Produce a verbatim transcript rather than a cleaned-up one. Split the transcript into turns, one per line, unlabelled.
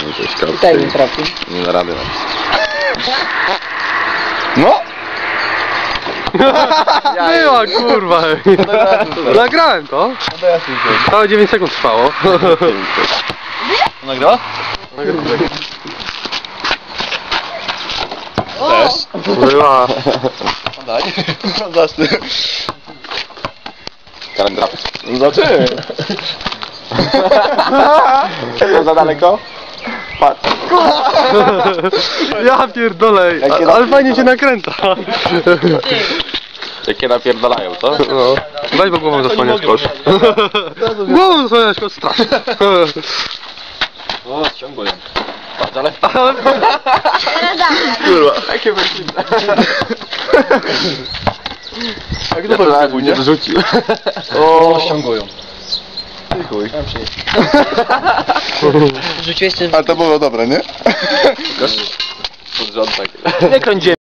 Tutaj mi trafi.
Nie da rady.
No!
Była kurwa. Nagrałem to. Całe dziewięć sekund trwało.
Nagrała? Też.
Była.
Daj. Zacznę.
Kalendrap.
Zobaczymy.
To za daleko? Patrz.
Ja pierdolę, a- ale fajnie się nakręca.
Jakie napierdalają, co?
No. Weź, bo głową zasłaniasz kosz. Głową zasłaniasz kosz, strasznie.
O, ciągłem. Patrz, ale...
Kurwa.
Takie weszliwe.
Jak to pewnie pójdzie?
Wrzucił.
O, ściągują.
Ty chuj.
Rzuciłeś ten...
Ale to było dobre, nie?
Pod rząd tak.
Nie kręć